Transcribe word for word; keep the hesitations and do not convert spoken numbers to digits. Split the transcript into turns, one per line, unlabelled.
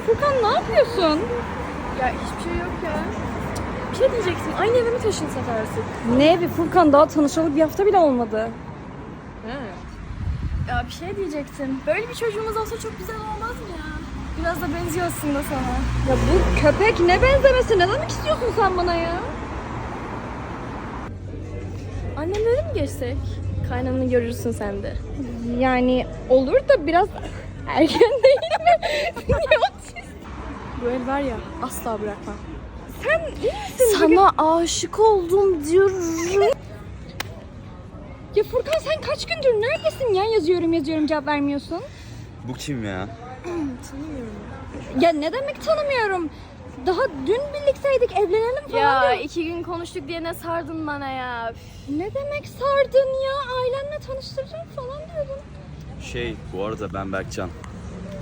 Furkan ne yapıyorsun?
Ya hiçbir şey yok ya. Bir şey diyecektim. Aynı eve mi taşınsak artık?
Ne evi Furkan, daha tanışalı bir hafta bile olmadı.
Evet. Ya bir şey diyecektim. Böyle bir çocuğumuz olsa çok güzel olmaz mı ya? Biraz da benziyor aslında sana.
Ya bu köpek ne benzemesi? Ne demek istiyorsun sen bana ya?
Annemlere mi geçsek? Kaynanını görürsün sen de.
Yani olur da biraz erken değil mi? Niye otist?
Bu el var ya asla bırakmam.
Sen iyi misin?
Sana aşık oldum diyorum.
Ya Furkan sen kaç gündür neredesin ya? Yazıyorum yazıyorum cevap vermiyorsun.
Bu kim ya?
Tanımıyorum.
Ya ne demek tanımıyorum? Daha dün birlikteydik, evlenelim falan
Ya
diyor.
iki gün konuştuk diye ne sardın bana ya. Üf.
Ne demek sardın ya? Ailenle tanıştıracağım falan diyordun.
Şey, bu arada ben Berkcan.